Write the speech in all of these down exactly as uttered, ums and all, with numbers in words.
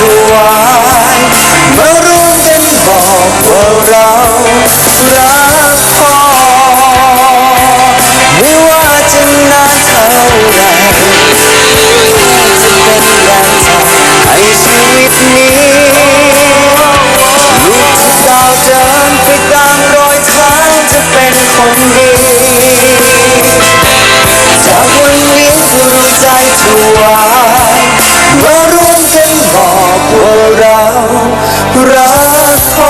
วายมาร่วมกันบอกว่าเรารักพ่อไม่ว่าจะนานเท่าไรจะเป็นแรงทำให้ชีวิตนี้ลูกจะก้าวเดินไปตามรอยเท้าจะเป็นคนดีจากวันนี้ดวงใจถวายมาร่วมกันบอกว่าเรารักพ่อ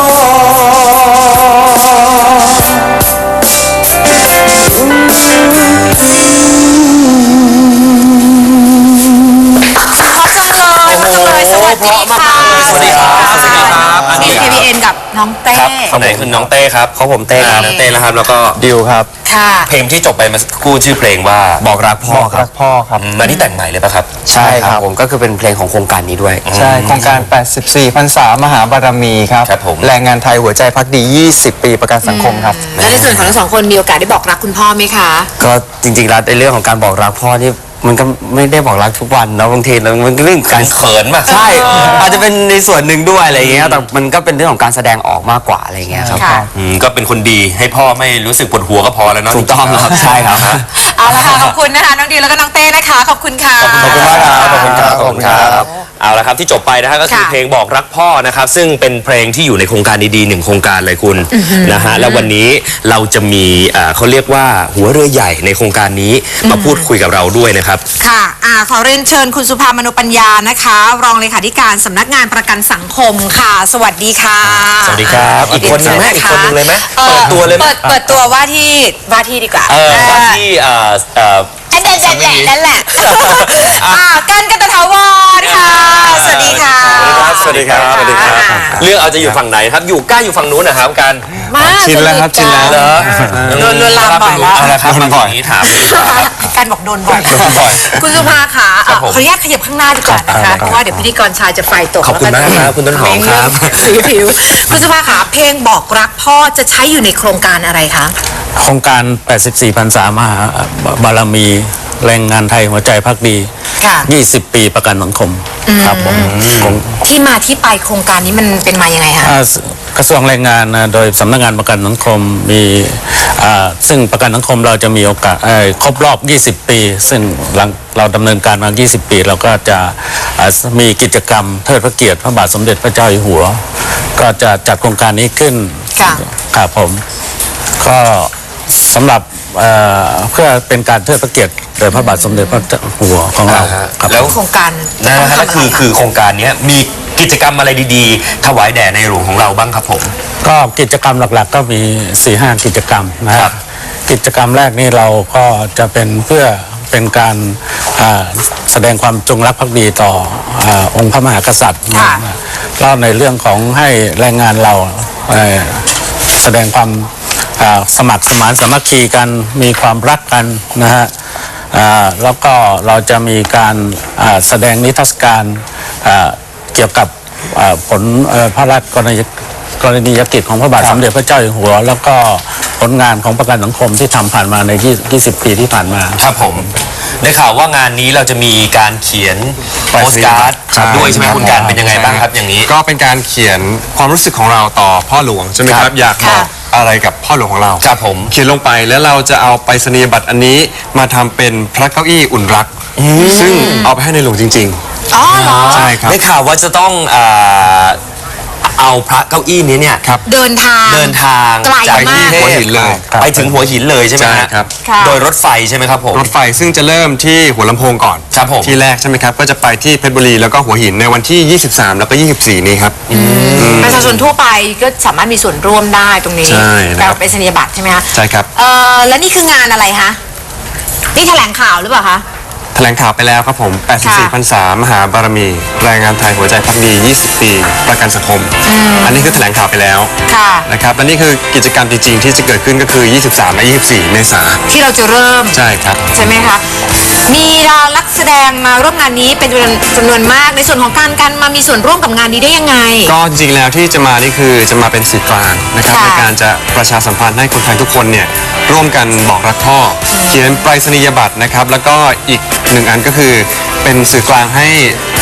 สวัสดีค่ะสวัสดีครับสวัสดีครับอันนี้เค พี เอ็น กับน้องเต้คนไหนคือน้องเต้ครับเขาผมเต้ครับน้องเต้นะครับแล้วก็ดิวครับค่ะเพลงที่จบไปมากู้ชื่อเพลงว่าบอกรักพ่อครับรักพ่อครับมาที่แต่งใหม่เลยป่ะครับใช่ครับผมก็คือเป็นเพลงของโครงการนี้ด้วยใช่โครงการแปดสิบสี่พรรษามหาบารมีครับครับผมแรงงานไทยหัวใจพักดียี่สิบปีประกันสังคมครับแล้วในส่วนของทั้งสองคนมีโอกาสได้บอกรักคุณพ่อไหมคะก็จริงๆแล้วในเรื่องของการบอกรักพ่อนี่มันก็ไม่ได้บอกรักทุกวันนะบางทีมันเรื่องการเขินมากใช่อาจจะเป็นในส่วนหนึ่งด้วยอะไรอย่างเงี้ยแต่มันก็เป็นเรื่องของการแสดงออกมากกว่าอะไรอย่างเงี้ยครับก็เป็นคนดีให้พ่อไม่รู้สึกปวดหัวก็พอแล้วเนาะถูกต้องครับใช่ครับเอาละค่ะขอบคุณนะคะน้องดิวแล้วก็น้องเต้นะคะขอบคุณค่ะขอบคุณมากครับขอบคุณครับขอบคุณครับเอาละครับที่จบไปนะฮะก็คือเพลงบอกรักพ่อนะครับซึ่งเป็นเพลงที่อยู่ในโครงการดีๆหนึ่งโครงการเลยคุณนะฮะแล้ววันนี้เราจะมีเขาเรียกว่าหัวเรือใหญ่ในโครงการนี้มาพูดคุยกับเราด้วยนะครับค่ะอ่าขอเรียนเชิญคุณสุภามโนปัญญานะคะรองเลขาธิการสำนักงานประกันสังคมค่ะสวัสดีค่ะสวัสดีครับอีกคนนึงไหมอีกคนนึงเลยไหมเปิดตัวเลยไหมเปิดเปิดตัวว่าที่ว่าที่ดีกว่าเออว่าที่เอ่อเอ่อนั่นแหละนั่นแหละอ่ากันกันตะถาวรค่ะสวัสดีค่ะสวัสดีครับสวัสดีครับเรื่องเอาจะอยู่ฝั่งไหนครับอยู่ใกล้อยู่ฝั่งนู้นนะครับกันชินแล้วครับชินแล้วโดนโดนลามบ่อยแล้วนะครับโดนบ่อยนี้ถามการบอกโดนบ่อยคุณสุภาค่ะขออนุญาตขยับข้างหน้าดีกว่านะคะเพราะว่าเดี๋ยวพิธีกรชายจะไฟตกขอบคุณมากครับคุณต้นหอมครับสีผิวคุณสุภาค่ะเพลงบอกรักพ่อจะใช้อยู่ในโครงการอะไรคะโครงการแปดสิบสี่พรรษามหาบารมีแรงงานไทยหัวใจพักดียี่สิบปีประกันสังคมครับผมที่มาที่ไปโครงการนี้มันเป็นมายังไงคะกระทรวงแรงงานโดยสำนักงานประกันสังคมมีซึ่งประกันสังคมเราจะมีโอกาสครบรอบยี่สิบปีซึ่งหลังเราดำเนินการมายี่สิบปีเราก็จะมีกิจกรรมเทิดพระเกียรติพระบาทสมเด็จพระเจ้าอยู่หัวก็จะจัดโครงการนี้ขึ้นครับผมก็สำหรับเพื่อเป็นการเทิดพระเกียรติโดยพระบาทสมเด็จพระเจ้าอยู่หัวของเราแล้วโครงการนะฮะก็คือคือโครงการนี้มีกิจกรรมอะไรดีๆถวายแด่ในหลวงของเราบ้างครับผมก็กิจกรรมหลักๆก็มี สี่ห้า กิจกรรมนะครับกิจกรรมแรกนี่เราก็จะเป็นเพื่อเป็นการแสดงความจงรักภักดีต่อองค์พระมหากษัตริย์แล้วในเรื่องของให้แรงงานเราแสดงความสมัครสมานสามัคคีกันมีความรักกันนะฮะแล้วก็เราจะมีการแสดงนิทรรศการเกี่ยวกับผลพระราชกรณีกรณียกิจของพระบาทสมเด็จพระเจ้าอยู่หัวแล้วก็ผลงานของประกันสังคมที่ทำผ่านมาในยี่สิบปีที่ผ่านมาครับผมได้ข่าวว่างานนี้เราจะมีการเขียนโปสการ์ดด้วยใช่ไหมคุณการเป็นยังไงบ้างครับอย่างนี้ก็เป็นการเขียนความรู้สึกของเราต่อพ่อหลวงใช่ไหมครับอยากบอกอะไรกับพ่อหลวงของเราครับผมเขียนลงไปแล้วเราจะเอาไปรษณียบัตรอันนี้มาทำเป็นพระเก้าอี้อุ่นรักซึ่งเอาไปให้ในหลวงจริงๆอ๋อเหรอใช่ครับได้ข่าวว่าจะต้องเอาพระเก้าอี้นี้เนี่ยเดินทางเดินทางจากที่หัวหินเลยไปถึงหัวหินเลยใช่ไหมครับโดยรถไฟใช่ไหมครับผมรถไฟซึ่งจะเริ่มที่หัวลำโพงก่อนครับผมที่แรกใช่ไหมครับก็จะไปที่เพชรบุรีแล้วก็หัวหินในวันที่ยี่สิบสามแล้วก็ยี่สิบสี่นี้ครับประชาชนทั่วไปก็สามารถมีส่วนร่วมได้ตรงนี้แต่เป็นสัญญาบัตรใช่ไหมคะใช่ครับเออแล้วนี่คืองานอะไรคะนี่แถลงข่าวหรือเปล่าคะแถลงข่าวไปแล้วครับผมแปดสิบสี่พรรษามหาบารมีแรงงานไทยหัวใจพักดียี่สิบปีประกันสังคมอันนี้คือแถลงข่าวไปแล้วนะครับและนี่คือกิจกรรมจริงๆที่จะเกิดขึ้นก็คือยี่สิบสามและยี่สิบสี่เมษายนที่เราจะเริ่มใช่ครับใช่ไหมคะมีดารานักแสดงมาร่วมงานนี้เป็นจำนวนมากในส่วนของการการมามีส่วนร่วมกับงานนี้ได้ยังไงก็จริงๆแล้วที่จะมานี่คือจะมาเป็นสื่อกลางนะครับในการจะประชาสัมพันธ์ให้คนไทยทุกคนเนี่ยร่วมกันบอกรักพ่อเขียนไปรษณียบัตรนะครับแล้วก็อีกหนึ่งอันก็คือเป็นสื่อกลางให้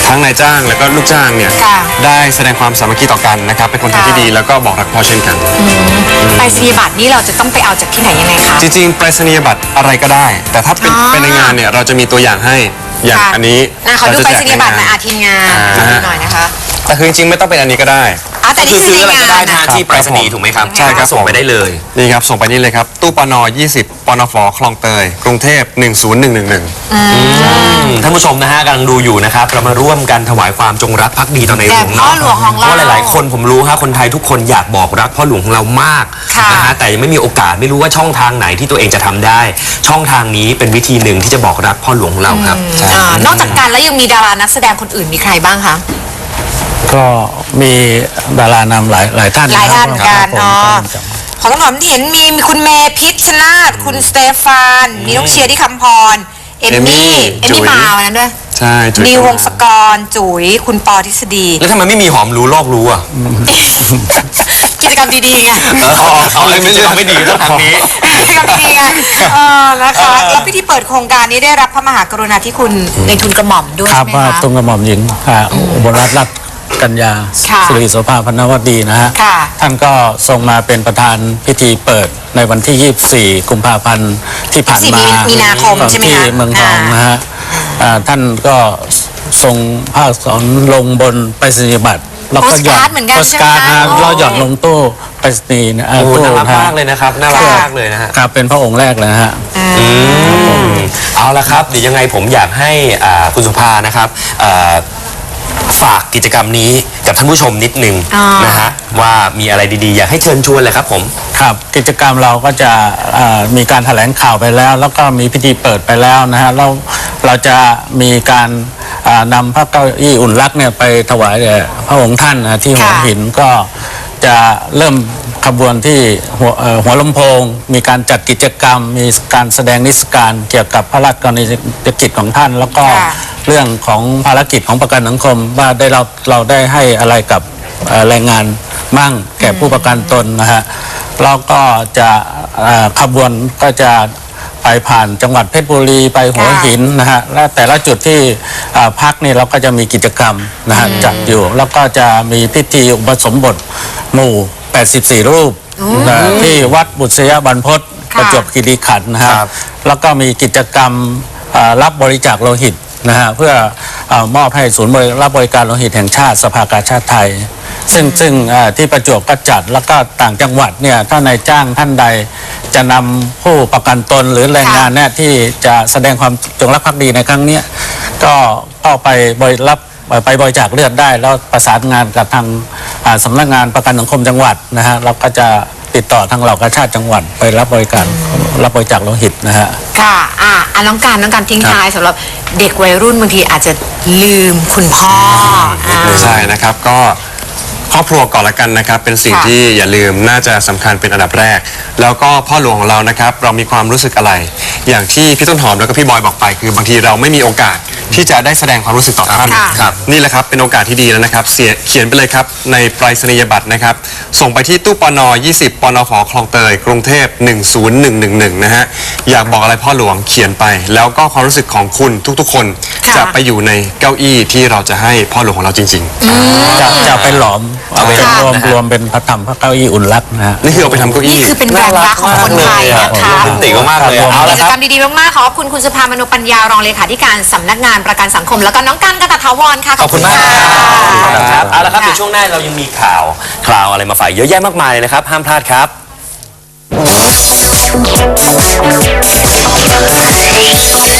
ทั้งนายจ้างแล้วก็ลูกจ้างเนี่ยค่ะได้แสดงความสามัคคีต่อกันนะครับเป็นคนไทยที่ดีแล้วก็บอกรักพ่อเช่นกันไปรษณียบัตรนี่เราจะต้องไปเอาจากที่ไหนยังไงคะจริงๆไปรษณียบัตรอะไรก็ได้ แต่ถ้าเป็นอ๋อเป็นในงานเนี่ยเราจะมีตัวอย่างให้อย่างค่ะอันนี้อ่ะขอดูจะไปรแจษกณียบัตรหน่อยใงาอาทีมงานอ่าดูหน่อยนะคะแต่คือจริงๆไม่ต้องเป็นอันนี้ก็ได้อ่ะแต่นี่คือคือซื้อในอะไรก็งาได้นทางที่ไปรษณีย์ถูกไหมครับใช่ครับส่งไปได้เลยนี่ครับส่งไปนี่เลยครับตู้ปนยี่สิบปนฟคลองเตยกรุงเทพหนึ่งศูนย์หนึ่งหนึ่งหนึ่งท่านผู้ชมนะฮะกำลังดูอยู่นะครับเรามาร่วมกันถวายความจงรักภักดีต่อในหลวงแด่พ่อหลวงของเราเพราะหลาย ๆ คนผมรู้ฮะคนไทยทุกคนอยากบอกรักพ่อหลวงของเรามากค่ะนะฮะแต่ยังไม่มีโอกาสไม่รู้ว่าช่องทางไหนที่ตัวเองจะทำได้ ช่องทางนี้เป็นวิธีหนึ่งที่จะบอกรักพ่อหลวงของเราครับอ่านอกจากการแล้วยังมีดารานักแสดงคนอื่นมีใครบ้างคะก็มีดารานำหลายหลายท่านหลายท่านครับกันผมเนาะครับของต้นหอมที่เห็นมีมีคุณเมย์พิชชนาธิ์คุณสเตฟานมีน้องเชียร์ที่คำพรเอมมี่เอเอมมมี่มี่จุ๋ยมาวันนั้นด้วยใช่จุ๋ยนิววงศกรจุ๋ยคุณปอทฤษฎีแล้วทำไมไม่มีหอมรู้โลกรู้อ่ะกิจกรรมดีๆไงเอาเลยไม่เรื่องไม่ดีต้องทางนี้กิจกรรมดีๆไงเออนะคะแล้วพิธีเปิดโครงการนี้ได้รับพระมหากรุณาธิคุณในทุนกระหม่อมด้วยครัใช่บไหมว่าคะตรงกระหม่อมหญิงอ่าอุบลรัตน์รัตน์กัญญาค่ะสิริโสภาพนวดีนะฮะค่ะท่านก็ทรงมาเป็นประธานพิธีเปิดในวันที่ ยี่สิบสี่ กุมภาพันธ์ที่ผ่านมายี่สิบสี่มีนาคมของใช่ไหมที่คะเมืองทองอ่านนะฮะอ่าท่านก็ทรงภาคสอนลงบนไปรษณียบัตรแล้วก็หย่อนโปสการ์ดเหมือนกันโปสการ์ดใช่ไหมนะคะแล้วหย่อนลงตู้ไปรษณีย์นะอ่าโอ้ตู้น่ารักนะฮะมากเลยนะครับน่ารักมากเลยนะฮะครับเป็นพระองค์แรกเลยนะฮะอืมเอาละครับเดี๋ยวยังไงผมอยากให้อ่าคุณสุภานะครับอ่าฝากกิจกรรมนี้กับท่านผู้ชมนิดนึงอ่านนะฮะว่ามีอะไรดีๆ อยากให้เชิญชวนเลยครับผมครับกิจกรรมเราก็จะเอ่อมีการแถลงข่าวไปแล้ว แล้วก็มีพิธีเปิดไปแล้วนะฮะเราเราจะมีการอ่านำพระเก้าอี้อุ่นรักเนี่ยไปถวายแด่พระองค์ท่านนะที่หัวค่ะหินก็จะเริ่มขบวนที่หัวเอ่อหัวลำโพง มีการจัดกิจกรรม มีการแสดงนิทรรศการเกี่ยวกับพระราชกรณียกิจของท่าน แล้วก็ค่ะเรื่องของภารกิจของประกันสังคมว่าได้เราเราได้ให้อะไรกับเอ่อแรงงานมั่งแก่ผู้ประกันตนนะฮะแล้วก็จะเอ่อขบวนก็จะไปผ่านจังหวัดเพชรบุรีไปหัวหินนะฮะและแต่ละจุดที่เอ่อพักนี่เราก็จะมีกิจกรรมนะฮะจัดอยู่ แล้วก็จะมีพิธีอุปสมบทหมู่ แปดสิบสี่ รูปนะที่วัดบุษยบรรพตค่ะประจวบคีรีขันธ์นะฮะครับแล้วก็มีกิจกรรมเอ่อรับบริจาคโลหิตนะฮะเพื่อเออมอบให้ศูนย์บริรับบริการโลหิตแห่งชาติสภากาชาติไทย ซึ่งซึ่งเอ่อที่ประจวบก็จัดแล้วก็ต่างจังหวัดเนี่ยถ้านายจ้างท่านใดจะนำผู้ประกันตนหรือแรงงานเนี่ยที่จะแสดงความจงรักภักดีในครั้งเนี้ยก็ก็ไปบริรับไปบริจาคเลือดได้ แล้วประสานงานกับทางอ่าสำนักงานประกันสังคมจังหวัดนะฮะเราก็จะติดต่อทางเหล่ากาชาติจังหวัดไปรับบริการรับบริจาคโลหิตนะฮะค่ะอ่ะอ่ะน้องการน้องการทิ้งท้ายสำหรับเด็กวัยรุ่นบางทีอาจจะลืมคุณพ่ออ่าใช่นะครับก็ครอบครัวก่อนละกันนะครับเป็นสิ่งค่ะที่อย่าลืมน่าจะสำคัญเป็นอันดับแรก แล้วก็พ่อหลวงของเรานะครับเรามีความรู้สึกอะไร อย่างที่พี่ต้นหอมแล้วก็พี่บอยบอกไป คือบางทีเราไม่มีโอกาสที่จะได้แสดงความรู้สึกต่อท่านค่ะครับนี่แหละครับเป็นโอกาสที่ดีแล้วนะครับเสียเขียนไปเลยครับในไปรษณียบัตรนะครับส่งไปที่ตู้ปนยี่สิบปนฟคลองเตยกรุงเทพหนึ่งศูนย์หนึ่งหนึ่งหนึ่งนะฮะอยากบอกอะไรพ่อหลวงเขียนไป แล้วก็ความรู้สึกของคุณทุกๆ คนค่ะจะไปอยู่ในเก้าอี้ที่เราจะให้พ่อหลวงของเราจริง ๆจะจะไปหลอมเอาเป็นค่ะรวมรวมเป็นพระธรรมพระเก้าอี้อุ่นรักนะฮะนี่คือเอาไปทำเก้านี่อี้คือเป็นแรงรักของคนไทยนะคะโรแมนติกมากๆเลยเอากิละจคกรรับรมดีๆมากๆขอบคุณคุณสุภามโนปัญญารองเลขาธิการสำนักงานประกันสังคม แล้วก็น้องกันกตถาวรค่ะขอบคุณมากะครับเอาละครับค่ะเดี๋ยวช่วงหน้าเรายังมีข่าวคราวอะไรมาฝากเยอะแยะมากมายเลยนะครับ ห้ามพลาดครับ